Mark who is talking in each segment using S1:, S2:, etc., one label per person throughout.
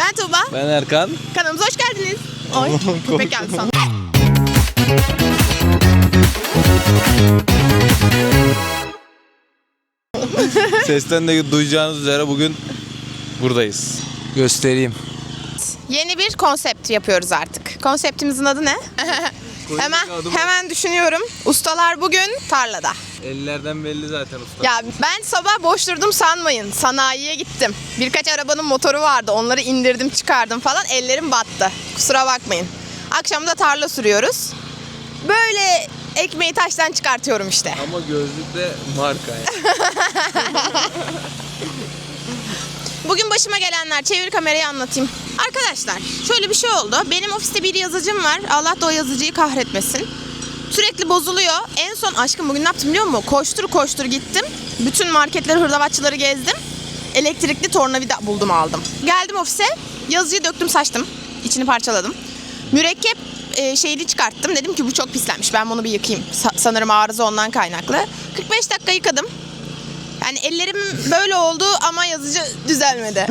S1: Ben Tuğba.
S2: Ben Erkan.
S1: Kanalımıza hoş geldiniz. Oy, köpek geldi sana.
S2: Sesten de duyacağınız üzere bugün buradayız. Göstereyim.
S1: Yeni bir konsept yapıyoruz artık. Konseptimizin adı ne? hemen düşünüyorum. Ustalar bugün tarlada.
S2: Ellerden belli zaten usta.
S1: Ya ben sabah boş durdum sanmayın. Sanayiye gittim. Birkaç arabanın motoru vardı. Onları indirdim çıkardım falan. Ellerim battı. Kusura bakmayın. Akşam da tarla sürüyoruz. Böyle ekmeği taştan çıkartıyorum işte.
S2: Ama gözlük de marka yani.
S1: Bugün başıma gelenler, çevir kamerayı anlatayım. Arkadaşlar şöyle bir şey oldu. Benim ofiste bir yazıcım var. Allah da o yazıcıyı kahretmesin. Sürekli bozuluyor. En son aşkım bugün ne yaptım biliyor musun? Koştur koştur gittim. Bütün marketleri, hırdavatçıları gezdim. Elektrikli tornavida buldum aldım. Geldim ofise. Yazıcıyı döktüm saçtım. İçini parçaladım. Mürekkep şeyini çıkarttım. Dedim ki bu çok pislenmiş. Ben bunu bir yıkayayım. Sanırım arıza ondan kaynaklı. 45 dakika yıkadım. Yani ellerim böyle oldu ama yazıcı düzelmedi.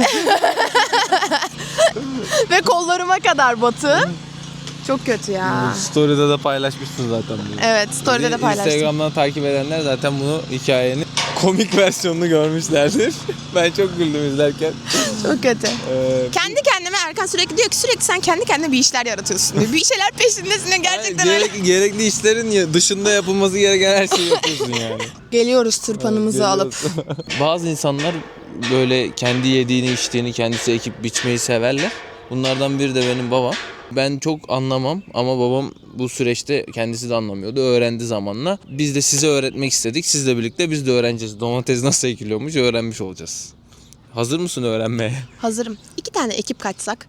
S1: Ve kollarıma kadar batı. Çok kötü ya.
S2: Story'de de paylaşmışsın zaten bunu.
S1: Evet, story'de de paylaştım.
S2: Instagram'dan takip edenler zaten bunu hikayenin komik versiyonunu görmüşlerdir. Ben çok güldüm izlerken.
S1: Çok kötü. Kendi kendime Erkan sürekli diyor ki sen kendi kendine bir işler yaratıyorsun diyor. Bir şeyler peşindesin gerçekten öyle.
S2: Gerekli işlerin dışında yapılması gereken her şeyi yapıyorsun yani.
S1: Geliyoruz tırpanımızı alıp.
S2: Bazı insanlar böyle kendi yediğini içtiğini kendisi ekip biçmeyi severler. Bunlardan biri de benim babam. Ben çok anlamam ama babam bu süreçte kendisi de anlamıyordu. Öğrendi zamanla. Biz de size öğretmek istedik. Sizle birlikte biz de öğreneceğiz. Domates nasıl ekiliyormuş öğrenmiş olacağız. Hazır mısın öğrenmeye?
S1: Hazırım. 2 tane ekip kaçsak.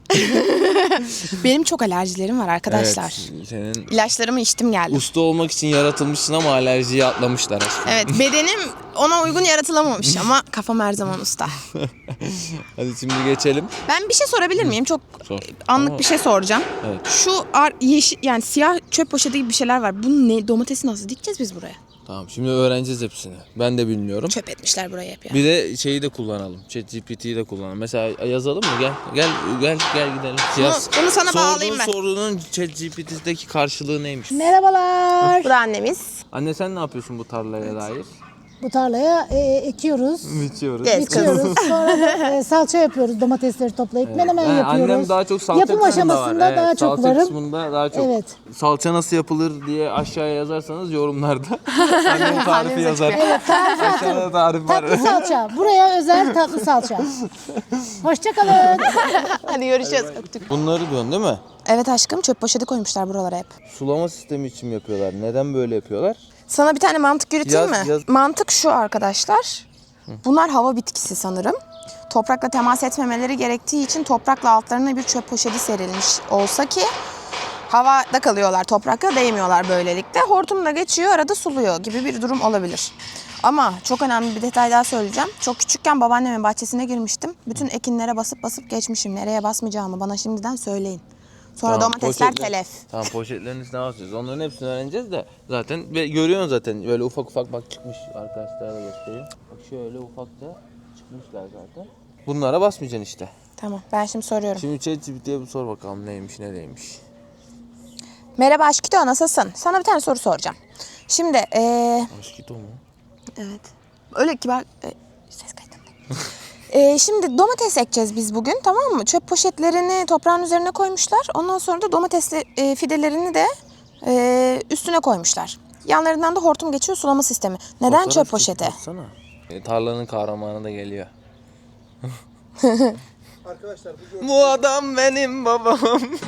S1: Benim çok alerjilerim var arkadaşlar.
S2: Evet, senin
S1: İlaçlarımı içtim geldim.
S2: usta olmak için yaratılmışsın ama alerjiyi atlamışlar aşkım.
S1: Evet, bedenim ona uygun yaratılamamış ama kafam her zaman usta.
S2: Hadi şimdi geçelim.
S1: Ben bir şey sorabilir miyim? Çok
S2: Sor.
S1: anlık
S2: Ama-
S1: bir şey soracağım.
S2: Evet.
S1: Şu yeşil yani siyah çöp poşeti gibi bir şeyler var. Bunu ne domatesi nasıl dikeceğiz biz buraya?
S2: Tamam şimdi öğreneceğiz hepsini. Ben de bilmiyorum.
S1: Çöp etmişler buraya hep ya.
S2: Bir de şeyi de kullanalım. ChatGPT'yi de kullanalım. Mesela yazalım mı? Gel gidelim.
S1: Bunu sana bağlayayım ben.
S2: Sorunun ChatGPT'deki karşılığı neymiş?
S3: Merhabalar.
S1: Bu da annemiz.
S2: Anne sen ne yapıyorsun bu tarlaya dair?
S3: Bu tarlaya ekiyoruz,
S2: Biçiyoruz.
S1: Yes.
S3: biçiyoruz. Sonra da, salça yapıyoruz, domatesleri toplayıp menemen yapıyoruz.
S2: Annem daha çok salça
S3: Yapım
S2: kısmında
S3: aşamasında
S2: var.
S3: daha
S2: Evet,
S3: çok
S2: salça
S3: varım.
S2: kısmında daha çok.
S3: Evet.
S2: Salça nasıl yapılır diye aşağıya yazarsanız yorumlarda annem tarifi yazar.
S3: Evet,
S2: Aşağıda tarif var.
S3: tatlı salça. Buraya özel tatlı salça. Hoşçakalın.
S1: Hadi görüşürüz. Öptük.
S2: Bunları diyorsun değil mi?
S1: Evet aşkım çöp poşeti koymuşlar buralara hep.
S2: Sulama sistemi için mi yapıyorlar? Neden böyle yapıyorlar?
S1: Sana bir tane mantık yürüteyim
S2: Yaz,
S1: mi?
S2: yaz.
S1: Mantık şu arkadaşlar. Bunlar hava bitkisi sanırım. Toprakla temas etmemeleri gerektiği için toprakla altlarına bir çöp poşeti serilmiş olsa ki havada kalıyorlar, toprakla değmiyorlar böylelikle. Hortumla geçiyor, arada suluyor gibi bir durum olabilir. Ama çok önemli bir detay daha söyleyeceğim. Çok küçükken babaannemin bahçesine girmiştim. Bütün ekinlere basıp geçmişim. Nereye basmayacağımı bana şimdiden söyleyin. Sonra
S2: Tamam,
S1: domatesler
S2: poşetler-
S1: telef.
S2: Tamam poşetlerin üstüne basacağız. Onların hepsini öğreneceğiz de zaten ve görüyorsun zaten böyle ufak bak çıkmış arkadaşlara da göstereyim. Bak şöyle ufak da çıkmışlar zaten. Bunlara basmayacaksın işte.
S1: Tamam, ben şimdi soruyorum.
S2: Şimdi ChatGPT'ye bir sor bakalım neymiş ne değilmiş.
S1: Merhaba Aşkito, nasılsın? Sana bir tane soru soracağım. Şimdi
S2: Aşkito mu?
S1: evet. Öyle kibar ses kaydında. Şimdi domates ekeceğiz biz bugün, tamam mı? Çöp poşetlerini toprağın üzerine koymuşlar. Ondan sonra da domatesli fidelerini de üstüne koymuşlar. Yanlarından da hortum geçiyor, sulama sistemi. Neden
S2: Fotoğraf
S1: çöp
S2: çekip
S1: poşeti?
S2: atsana. Tarlanın kahramanı da geliyor.
S4: Arkadaşlar
S2: Bu adam benim babam.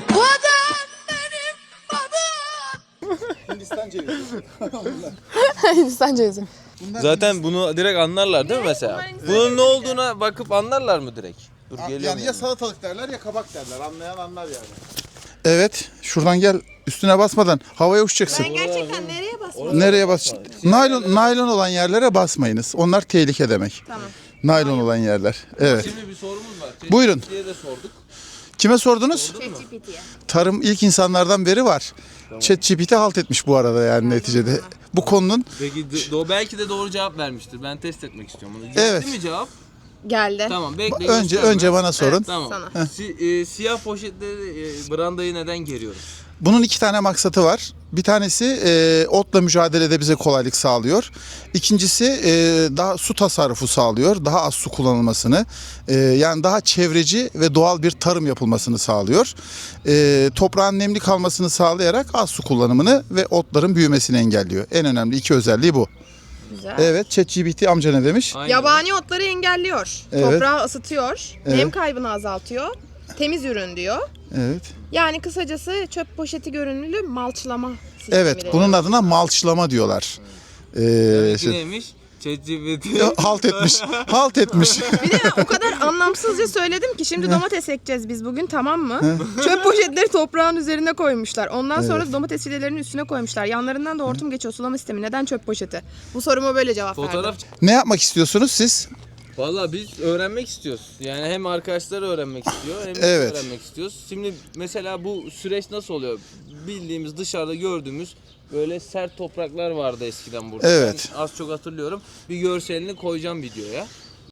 S4: Hindistan cevizi.
S1: Hindistan cevizi.
S2: Zaten bunu direkt anlarlar değil mi mesela? Bunun ne olduğuna bakıp anlarlar mı direkt? Dur geliyorum.
S4: Yani ya salatalık derler ya kabak derler. Anlayan anlar yani.
S5: Evet, şuradan gel. Üstüne basmadan havaya uçacaksın.
S1: Gerçekten nereye basmalıyım?
S5: Nereye bas? Naylon olan yerlere basmayınız. Onlar tehlike demek.
S1: Tamam.
S5: Naylon olan yerler. Evet.
S2: Şimdi bir sorumuz var.
S5: Buyurun.
S2: Diye de sorduk.
S5: Kime sordunuz?
S1: ChatGPT'ye.
S5: Tarım ilk insanlardan beri var. ChatGPT halt etmiş bu arada yani neticede. Bu konunun
S2: Peki belki de doğru cevap vermiştir. Ben test etmek istiyorum bunu.
S5: Evet.
S2: Değil mi cevap?
S1: Geldi.
S2: Tamam bekle.
S5: Önce
S2: gösterme.
S5: bana sorun.
S2: Tamam.
S1: Sana.
S2: Siyah poşetleri brandayı neden geriyoruz?
S5: Bunun 2 tane maksatı var. Bir tanesi otla mücadelede bize kolaylık sağlıyor. İkincisi daha su tasarrufu sağlıyor. Daha az su kullanılmasını, yani daha çevreci ve doğal bir tarım yapılmasını sağlıyor. Toprağın nemli kalmasını sağlayarak az su kullanımını ve otların büyümesini engelliyor. En önemli 2 özelliği bu.
S1: Güzel.
S5: Evet, ChatGPT amca ne demiş?
S2: Aynen.
S1: Yabani otları engelliyor.
S5: Evet.
S1: Toprağı ısıtıyor. Nem
S5: Evet.
S1: kaybını azaltıyor. Temiz ürün diyor.
S5: Evet.
S1: Yani kısacası çöp poşeti görünümlü malçlama sistemi.
S5: Evet,
S1: deniyor.
S5: bunun adına malçlama diyorlar.
S2: Peki neymiş? ChatGPT.
S5: Halt etmiş. Halt etmiş.
S1: Bir de o kadar anlamsızca söyledim ki şimdi domates ekeceğiz biz bugün, tamam mı? Çöp poşetleri toprağın üzerine koymuşlar. Ondan sonra domates fidelerinin üstüne koymuşlar. Yanlarından da hortum geçiyor, sulama sistemi. Neden çöp poşeti? Bu soruma böyle cevap verdim.
S2: Fotoğraf.
S5: Ne yapmak istiyorsunuz siz?
S2: Valla biz öğrenmek istiyoruz. Yani hem arkadaşlar öğrenmek istiyor hem biz
S5: Evet.
S2: öğrenmek istiyoruz. Şimdi mesela bu süreç nasıl oluyor? Bildiğimiz dışarıda gördüğümüz böyle sert topraklar vardı eskiden burada.
S5: Evet.
S2: Ben az çok hatırlıyorum. Bir görselini koyacağım videoya.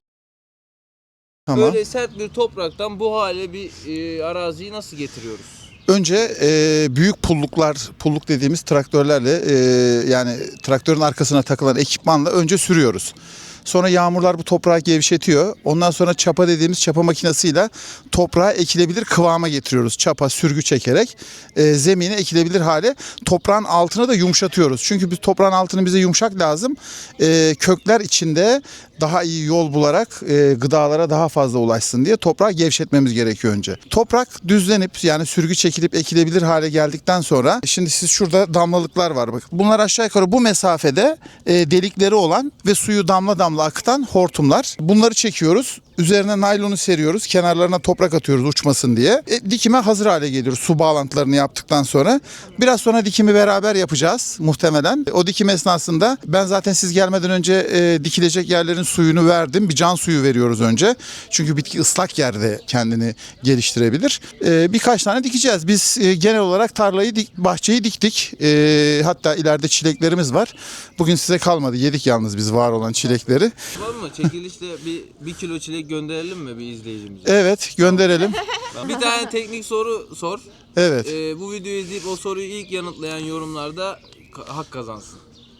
S5: Tamam.
S2: Böyle sert bir topraktan bu hale bir araziyi nasıl getiriyoruz?
S5: Önce büyük pulluk dediğimiz traktörlerle, yani traktörün arkasına takılan ekipmanla önce sürüyoruz. Sonra yağmurlar bu toprağı gevşetiyor. Ondan sonra çapa dediğimiz çapa makinesiyle toprağa ekilebilir kıvama getiriyoruz. Çapa, sürgü çekerek zemine ekilebilir hale. Toprağın altını da yumuşatıyoruz. Çünkü biz toprağın altını bize yumuşak lazım. Kökler içinde daha iyi yol bularak gıdalara daha fazla ulaşsın diye toprağı gevşetmemiz gerekiyor önce. Toprak düzlenip yani sürgü çekilip ekilebilir hale geldikten sonra şimdi siz şurada damlalıklar var bak. Bunlar aşağı yukarı bu mesafede delikleri olan ve suyu damla damla akıtan hortumlar. Bunları çekiyoruz. Üzerine naylonu seriyoruz. Kenarlarına toprak atıyoruz uçmasın diye. Dikime hazır hale geliyor su bağlantılarını yaptıktan sonra. Biraz sonra dikimi beraber yapacağız muhtemelen. O dikim esnasında ben zaten siz gelmeden önce dikilecek yerlerin suyunu verdim. Bir can suyu veriyoruz önce. Çünkü bitki ıslak yerde kendini geliştirebilir. Birkaç tane dikeceğiz. Biz genel olarak bahçeyi diktik. Hatta ileride çileklerimiz var. Bugün size kalmadı. Yedik yalnız biz var olan çilekleri.
S2: Var mı? Çekilişte bir kilo çilek gönderelim mi bir izleyicimize?
S5: Evet, gönderelim.
S2: Bir tane teknik soru sor.
S5: Evet.
S2: Bu videoyu izleyip o soruyu ilk yanıtlayan yorumlarda hak kazansın.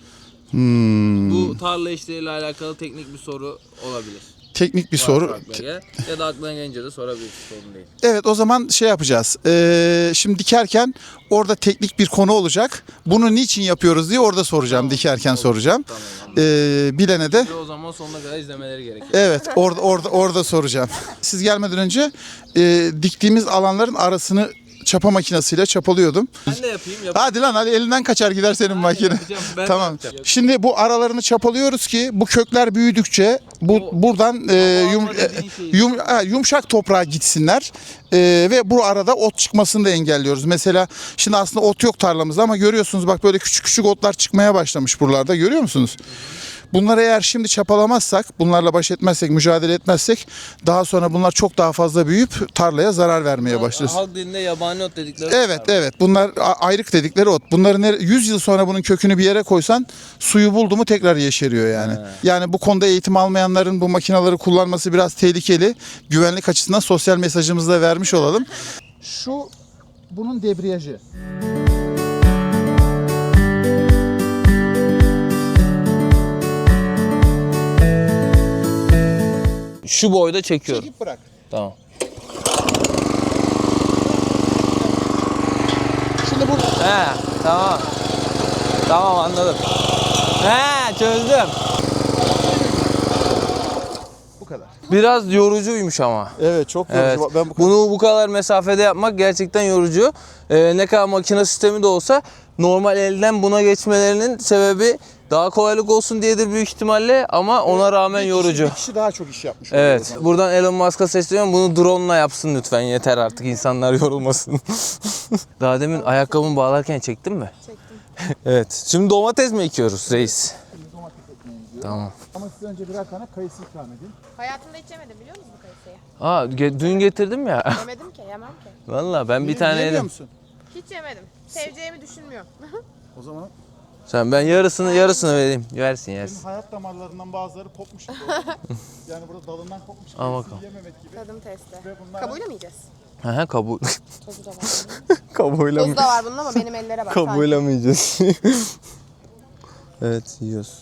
S2: Bu tarla işleriyle alakalı teknik bir soru olabilir.
S5: Teknik bir
S2: Varsa
S5: soru.
S2: aklına gel. Ya da aklına gelince de sorabilirsin, sorun değil.
S5: Evet, o zaman şey yapacağız. Şimdi dikerken orada teknik bir konu olacak. Bunu niçin yapıyoruz diye orada soracağım. Dikerken soracağım.
S2: Tamam.
S5: Bilene de
S2: O zaman sonuna kadar izlemeleri gerekiyor.
S5: evet orada soracağım. Siz gelmeden önce diktiğimiz alanların arasını çapa makinesiyle çapalıyordum.
S2: Ben de yapayım.
S5: Hadi lan hadi elinden kaçar gider senin makine.
S2: yapacağım, ben de
S5: Tamam.
S2: yapacağım.
S5: Şimdi bu aralarını çapalıyoruz ki bu kökler büyüdükçe buradan yumuşak toprağa gitsinler. Ve bu arada ot çıkmasını da engelliyoruz. Mesela şimdi aslında ot yok tarlamızda ama görüyorsunuz bak böyle küçük küçük otlar çıkmaya başlamış buralarda, görüyor musunuz? Bunları eğer şimdi çapalamazsak, bunlarla baş etmezsek, mücadele etmezsek daha sonra bunlar çok daha fazla büyüyüp tarlaya zarar vermeye başlıyor.
S2: Halk dilinde yabani ot dedikleri.
S5: Evet. Bunlar ayrık dedikleri ot. Bunların 100 yıl sonra bunun kökünü bir yere koysan suyu buldu mu tekrar yeşeriyor yani. Yani bu konuda eğitim almayanların bu makineleri kullanması biraz tehlikeli. Güvenlik açısından sosyal mesajımızı da vermiş olalım. Şu bunun debriyajı.
S2: Şu boyda çekiyorum.
S5: Çekip bırak.
S2: Tamam.
S5: Şimdi bu
S2: He, tamam. Tamam, anladım. He, çözdüm.
S5: bu kadar.
S2: Biraz yorucuymuş ama.
S5: Evet, çok yorucu.
S2: Evet.
S5: Ben
S2: Bunu bu kadar mesafede yapmak gerçekten yorucu. Ne kadar makine sistemi de olsa normal elden buna geçmelerinin sebebi daha kolaylık olsun diyedir büyük ihtimalle ama ona rağmen yorucu.
S5: Bir kişi daha çok iş yapmış.
S2: Evet. Buradan Elon Musk'a sesleniyorum. Bunu drone'la yapsın lütfen. Yeter artık. İnsanlar yorulmasın. Daha demin ayakkabımı bağlarken çektin mi?
S1: Çektim.
S2: Evet. Şimdi domates mi ekiyoruz reis? Tamam.
S5: Ama size önce birer tane kayısı ikram edeyim.
S1: Hayatımda hiç yemedim, biliyor musun bu kayısıyı?
S2: Dün getirdim ya.
S1: Yemedim ki, yemem ki.
S2: Vallahi ben bir tane
S5: Yemiyor
S2: yedim.
S5: musun?
S1: Hiç yemedim. Seveceğimi düşünmüyorum.
S5: O zaman
S2: Ben yarısını vereyim. Yersin.
S5: Senin hayat damarlarından bazıları kopmuş gibi. Yani burada dalından kopmuş gibi.
S2: Al bakalım.
S5: Yememek gibi.
S1: Tadım testi.
S5: Ve bunlar
S1: Kabuğuyla mı yiyeceğiz?
S2: He kabuğu.
S1: Tozu da var.
S2: Kabuğuyla
S1: Tozu da var bunun ama benim ellere bak.
S2: Kabuğuyla mı yiyeceğiz? Evet yiyoruz.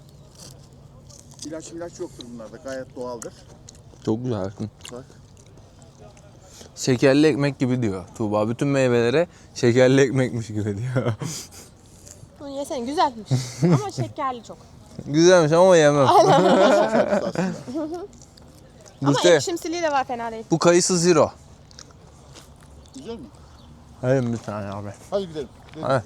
S5: ilaç yoktur bunlarda. Gayet doğaldır.
S2: Çok güzel.
S5: Bak.
S2: Şekerli ekmek gibi diyor Tuğba. Bütün meyvelere şekerli ekmekmiş gibi diyor.
S1: Bunu yesene güzelmiş. Ama şekerli çok.
S2: Güzelmiş ama yemem.
S1: Ama
S2: Buse,
S1: ekşimsiliği de var, fena değil.
S2: bu kayısı zero.
S5: Güzel mi?
S2: Hayır bir tane abi.
S5: Hadi gidelim.
S2: Hadi.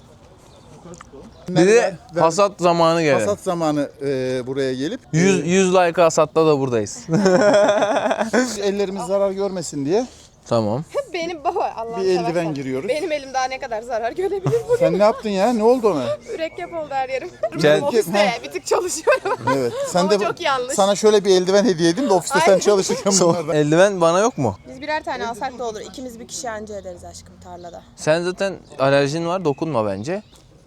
S2: Bir de hasat zamanı geldi.
S5: Hasat zamanı buraya gelip
S2: 100 like hasatta da buradayız.
S5: ellerimiz zarar görmesin diye
S2: Tamam.
S1: Benim baba Allah'ım
S5: bir eldiven giriyoruz.
S1: Benim elim daha ne kadar zarar görebilir bu?
S5: Sen ne yaptın ya? Ne oldu ona?
S1: Mürekkep oldu her yerim.
S2: Gel-
S1: Ofiste bir tık çalışıyorum.
S5: Evet. Sen
S1: Ama
S5: de
S1: çok yanlış.
S5: sana şöyle bir eldiven hediye edeyim de ofiste sen
S1: Aynen.
S5: çalışırken bunlardan.
S2: Eldiven bana yok mu?
S1: Biz birer tane alsak da olur. İkimiz bir kişi anca ederiz aşkım tarlada.
S2: Sen zaten alerjin var, dokunma bence.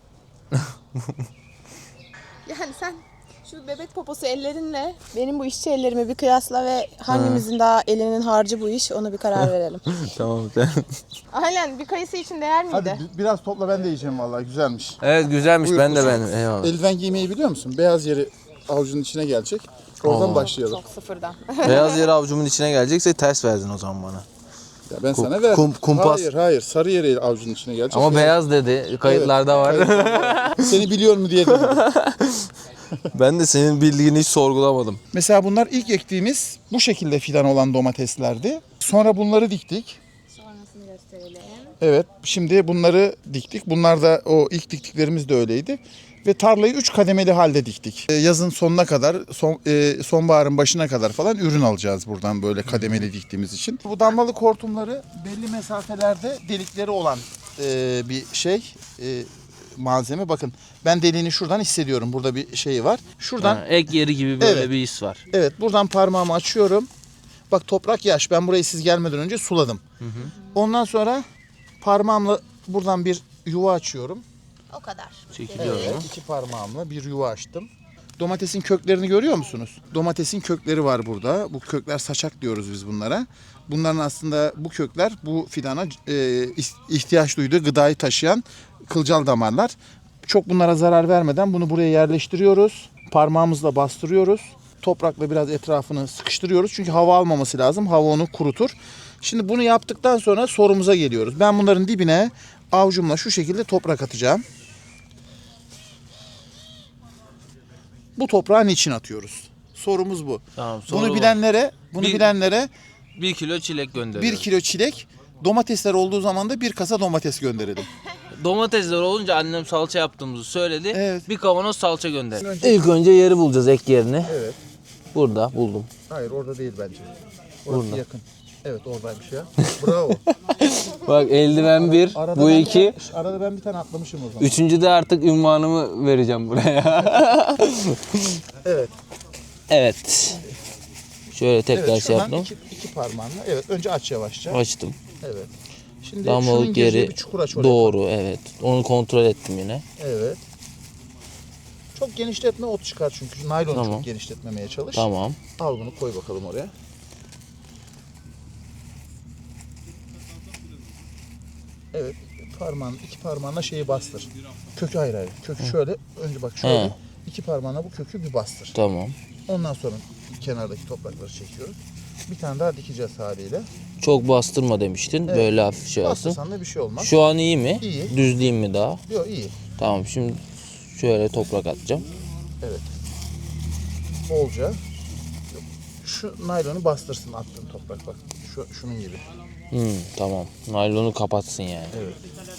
S1: Yani sen şu bebek poposu ellerinle benim bu işçi ellerimi bir kıyasla ve hangimizin daha elinin harcı bu iş, ona bir karar verelim.
S2: Tamam sen.
S1: Aynen, bir kayısı için değer miydi?
S5: Hadi biraz topla, ben de yiyeceğim vallahi, güzelmiş.
S2: Evet güzelmiş,
S5: Buyur,
S2: ben de
S5: buyur.
S2: beğendim. Eyvallah.
S5: Eldiven giymeyi biliyor musun? Beyaz yeri avucunun içine gelecek. Oradan başlayalım.
S1: Çok sıfırdan.
S2: Beyaz yeri avucumun içine gelecekse ters verdin o zaman bana.
S5: Ya ben sana verdim.
S2: kumpas.
S5: Hayır. Sarı yeri avucunun içine gelecek.
S2: Ama beyaz dedi, kayıtlarda var.
S5: Seni biliyor mu diye dedim.
S2: Ben de senin bildiğini hiç sorgulamadım.
S5: Mesela bunlar ilk ektiğimiz bu şekilde fidan olan domateslerdi. Sonra bunları diktik.
S1: Sonrasını gösterelim.
S5: Evet, şimdi bunları diktik. Bunlar da o ilk diktiklerimiz de öyleydi. Ve tarlayı 3 kademeli halde diktik. Yazın sonuna kadar, sonbaharın başına kadar falan ürün alacağız buradan böyle kademeli diktiğimiz için. Bu damlalık hortumları belli mesafelerde delikleri olan bir malzeme. Bakın ben deliğini şuradan hissediyorum. Burada bir şey var. Şuradan
S2: Ek yeri gibi böyle
S5: Evet.
S2: bir his var.
S5: evet, buradan parmağımı açıyorum. Bak toprak yaş. Ben burayı siz gelmeden önce suladım. Ondan sonra parmağımla buradan bir yuva açıyorum.
S1: O kadar.
S2: Çekiliyor
S5: Evet, 2 parmağımla bir yuva açtım. Domatesin köklerini görüyor musunuz? Domatesin kökleri var burada. Bu kökler saçak diyoruz biz bunlara. Bunların aslında bu kökler bu fidana ihtiyaç duyduğu gıdayı taşıyan kılcal damarlar. Çok bunlara zarar vermeden bunu buraya yerleştiriyoruz. Parmağımızla bastırıyoruz. Toprakla biraz etrafını sıkıştırıyoruz. Çünkü hava almaması lazım. Hava onu kurutur. Şimdi bunu yaptıktan sonra sorumuza geliyoruz. Ben bunların dibine avucumla şu şekilde toprak atacağım. Bu toprağı niçin atıyoruz? Sorumuz bu.
S2: Tamam,
S5: Bunu bilenlere
S2: 1 kilo çilek gönderiyor.
S5: 1 kilo çilek, domatesler olduğu zaman da bir kasa domates gönderelim.
S2: Domatesler olunca annem salça yaptığımızı söyledi.
S5: Evet.
S2: Bir kavanoz salça gönderdi. İlk önce yeri bulacağız, ek yerini.
S5: Evet.
S2: Burada buldum.
S5: Hayır, orada değil bence. Orası yakın. Evet, oradaymış ya. Bravo.
S2: Bak eldiven 1,
S5: Arada
S2: bu
S5: ben
S2: 2.
S5: Arada ben bir tane atlamışım o zaman.
S2: Üçüncü de artık ünvanımı vereceğim buraya.
S5: Evet.
S2: Evet. Şöyle tekrar
S5: Evet,
S2: şey
S5: şuradan
S2: yaptım.
S5: iki parmağınla. Evet, önce aç yavaşça.
S2: Açtım.
S5: Evet. Şimdi şunun
S2: Damlalık
S5: gireceği
S2: yeri
S5: bir çukur aç oraya.
S2: doğru, evet. Onu kontrol ettim yine.
S5: Evet. Çok genişletme, ot çıkar çünkü. Naylonu
S2: Tamam.
S5: çok genişletmemeye çalış.
S2: Tamam.
S5: Al bunu, koy bakalım oraya. Evet, iki parmağınla şeyi bastır. Kökü hayır. Kökü şöyle, önce bak şöyle.
S2: He.
S5: 2 parmağınla bu kökü bir bastır.
S2: Tamam.
S5: Ondan sonra kenardaki toprakları çekiyoruz. Bir tane daha dikeceğiz haliyle.
S2: Çok bastırma demiştin.
S5: Evet.
S2: Böyle hafif şey olsun.
S5: Bastırsan da bir şey olmaz.
S2: Şu an iyi mi?
S5: İyi.
S2: Düzleyeyim mi daha?
S5: Yok, iyi.
S2: Tamam, şimdi şöyle toprak atacağım.
S5: Evet. Bolca. Şu naylonu bastırsın attığın toprak, bak. Şunun gibi.
S2: Tamam. Naylonu kapatsın yani.
S5: Evet.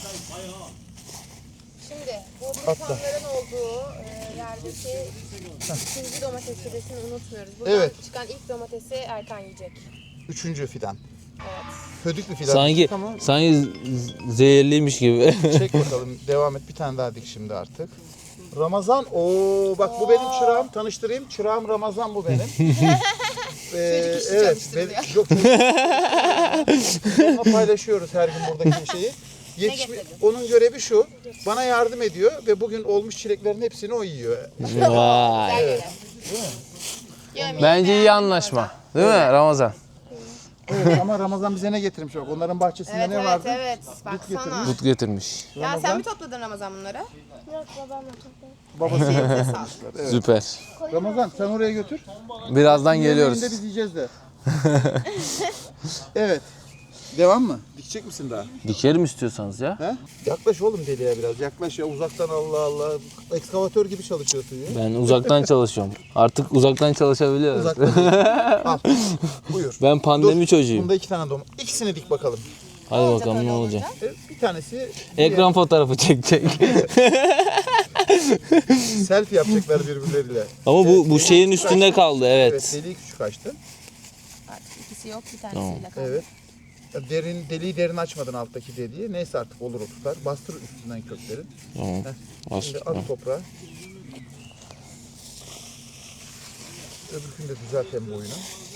S1: Şimdi bu
S5: Atla.
S1: insanların olduğu yerdeki ikinci domates fidesini unutmuyoruz. Buradan
S5: Evet.
S1: çıkan ilk domatesi Erkan yiyecek.
S5: 3. fidan.
S1: Evet.
S5: Hödük bir fidan.
S2: Sanki
S5: Tamam.
S2: zehirliymiş gibi.
S5: Çek bakalım. Devam et. Bir tane daha dik şimdi artık. Ramazan. Oo, bak bu benim çırağım. Tanıştırayım. Çırağım Ramazan, bu benim.
S1: Çocuk işi
S5: evet.
S1: çalıştırılıyor.
S5: Yok. Onunla paylaşıyoruz her gün buradaki şeyi. Onun görevi şu. Bana yardım ediyor ve bugün olmuş çileklerin hepsini o yiyor.
S2: Vay. Bence iyi anlaşma. Değil mi Ramazan?
S5: Evet, ama Ramazan bize ne getirmiş bak. Onların bahçesinde ne vardı?
S1: Evet. Baksana.
S2: Dut getirmiş.
S1: Ya sen mi topladın Ramazan bunları?
S3: Yok babamla toplayayım.
S5: Babası.
S1: Elinize sağlık.
S2: Süper.
S5: Ramazan sen oraya götür.
S2: Birazdan geliyoruz.
S5: Yemeğinde biz yiyeceğiz de. Evet. Devam mı? Dikecek misin daha?
S2: Dikerim istiyorsanız ya.
S5: He? Yaklaş oğlum deliye biraz. Yaklaş ya uzaktan Allah Allah. Ekskavatör gibi çalışıyorsun ya.
S2: Ben uzaktan çalışıyorum. Artık uzaktan çalışabiliyoruz.
S5: Uzaktan. Al. Buyur.
S2: Ben pandemi çocuğuyum.
S5: Bunda 2 tane domates. İkisini dik bakalım.
S2: Hadi bakalım ne olacak.
S5: Bir tanesi
S2: Ekran fotoğrafı çekecek.
S5: selfie yapacaklar birbirleriyle.
S2: Ama bu şeyin üstünde kaldı
S5: Evet,
S2: evet.
S5: deliği küçük açtın.
S1: İkisi yok, bir tanesiyle kaldı.
S5: Evet. Deliği derin açmadın alttaki dediği. Neyse artık olur o tutar. Bastır üstünden kökleri.
S2: Tamam.
S5: Heh. Şimdi
S2: Bastır.
S5: at toprağa. Öbürkünü de düzelt hem boyunu.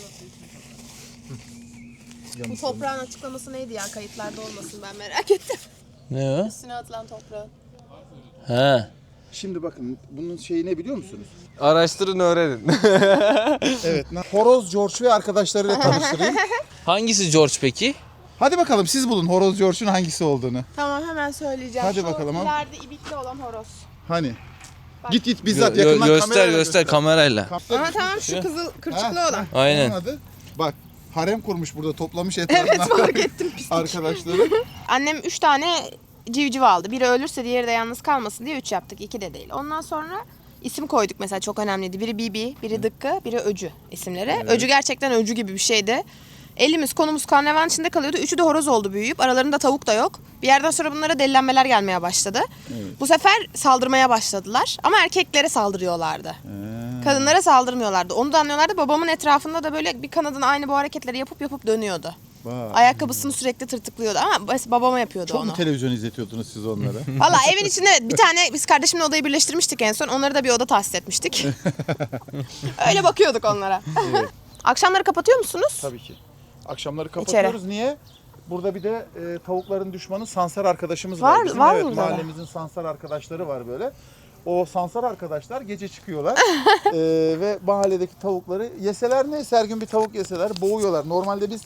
S1: Bu toprağın açıklaması neydi ya? Kayıtlarda olmasın, ben merak ettim.
S2: Ne o?
S1: Üstüne atılan toprağın.
S2: He.
S5: Şimdi bakın bunun şeyi ne biliyor musunuz?
S2: Araştırın öğrenin.
S5: Evet. Horoz George ve arkadaşlarıyla tanıştırayım.
S2: Hangisi George peki?
S5: Hadi bakalım siz bulun Horoz George'un hangisi olduğunu.
S1: Tamam, hemen söyleyeceğim.
S5: Hadi
S1: Şu
S5: bakalım, al.
S1: ileride ibikli olan horoz.
S5: Hani? Git bizzat yakından
S2: Göster
S5: kamerayla
S2: göster kamerayla.
S1: Ama tamam, şu kızıl kırçıklı
S5: Ha,
S1: olan.
S2: Aynen.
S5: Onun adı. Bak harem kurmuş burada toplamış etrafına.
S1: Evet, fark ettim, pislik.
S5: Arkadaşları.
S1: Annem 3 tane civciv aldı. Biri ölürse diğeri de yalnız kalmasın diye 3 yaptık. 2 de değil. Ondan sonra isim koyduk mesela, çok önemliydi. Biri Bibi, biri Dıkkı, biri Öcü isimleri. Evet. Öcü gerçekten öcü gibi bir şeydi. Elimiz konumuz karnevan içinde kalıyordu. Üçü de horoz oldu büyüyüp. Aralarında tavuk da yok. Bir yerden sonra bunlara delilenmeler gelmeye başladı. Evet. Bu sefer saldırmaya başladılar. Ama erkeklere saldırıyorlardı. Kadınlara saldırmıyorlardı. Onu da anlıyorlardı. Babamın etrafında da böyle bir kanadın aynı bu hareketleri yapıp dönüyordu.
S5: Vay.
S1: Ayakkabısını sürekli tırtıklıyordu ama babama yapıyordu
S5: Çok
S1: onu.
S5: mu televizyon izletiyordunuz siz onlara?
S1: Valla evin içinde bir tane, biz kardeşimle odayı birleştirmiştik en son. Onları da bir oda tahsis etmiştik. Öyle bakıyorduk onlara.
S5: Evet.
S1: Akşamları kapatıyor musunuz?
S5: Tabii ki. Akşamları kapatıyoruz. Niye? Burada bir de tavukların düşmanı Sansar arkadaşımız var. Bizim.
S1: Var
S5: Evet,
S1: mı burada?
S5: mahallemizin Sansar arkadaşları var böyle. O Sansar arkadaşlar gece çıkıyorlar ve mahalledeki tavukları yeseler neyse, her gün bir tavuk yeseler boğuyorlar. Normalde biz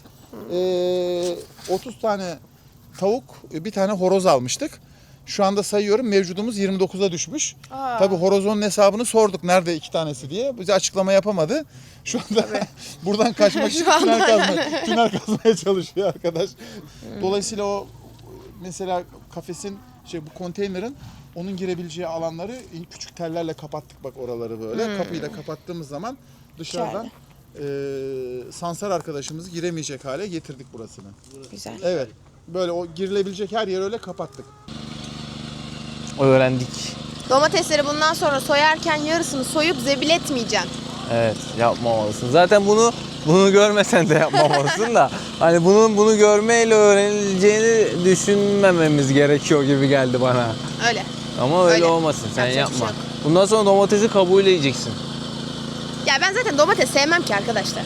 S5: 30 tane tavuk, bir tane horoz almıştık. Şu anda sayıyorum, mevcudumuz 29'a düşmüş. Tabii horozun hesabını sorduk nerede 2 tanesi diye. Bize açıklama yapamadı. Şu anda buradan kaçmak için tünel kazmaya çalışıyor arkadaş. Dolayısıyla o mesela kafesin bu konteynerin onun girebileceği alanları küçük tellerle kapattık bak oraları böyle. Kapıyı da kapattığımız zaman dışarıdan Sansar arkadaşımızı giremeyecek hale getirdik burasını.
S1: Güzel.
S5: Evet. Böyle o girilebilecek her yeri öyle kapattık.
S2: Öğrendik.
S1: Domatesleri bundan sonra soyarken yarısını soyup zebil etmeyeceksin.
S2: Evet, yapmamalısın. Zaten bunu görmesen de yapmamalısın da hani bunu görmeyle öğrenileceğini düşünmememiz gerekiyor gibi geldi bana.
S1: Öyle.
S2: Ama öyle
S1: Öyle.
S2: olmasın. Sen
S1: Yapacak bir
S2: yapma.
S1: şey yok.
S2: Bundan sonra domatesi kabuğuyla yiyeceksin.
S1: Ya ben zaten domates sevmem ki arkadaşlar.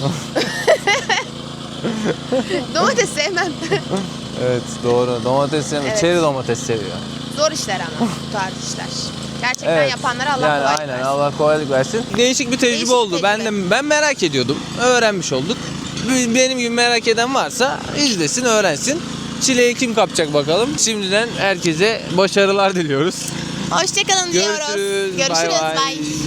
S1: Domates sevmem.
S2: Evet, doğru. Domates sevmiyor.
S1: Evet.
S2: Çeri domates seviyor.
S1: Zor işler ama bu tarz işler. Gerçekten
S2: Evet.
S1: yapanlara Allah
S2: yani
S1: kolaylık
S2: aynen
S1: versin.
S2: Allah kolaylık versin. Değişik bir tecrübe
S1: Değişik
S2: oldu.
S1: tecrübe.
S2: Ben merak ediyordum. Öğrenmiş olduk. Benim gibi merak eden varsa izlesin, öğrensin. Çileği kim kapacak bakalım. Şimdiden herkese başarılar diliyoruz.
S1: Hoşçakalın diyoruz.
S2: Görüşürüz.
S1: Görüşürüz.
S2: Bay bay.
S1: Bye.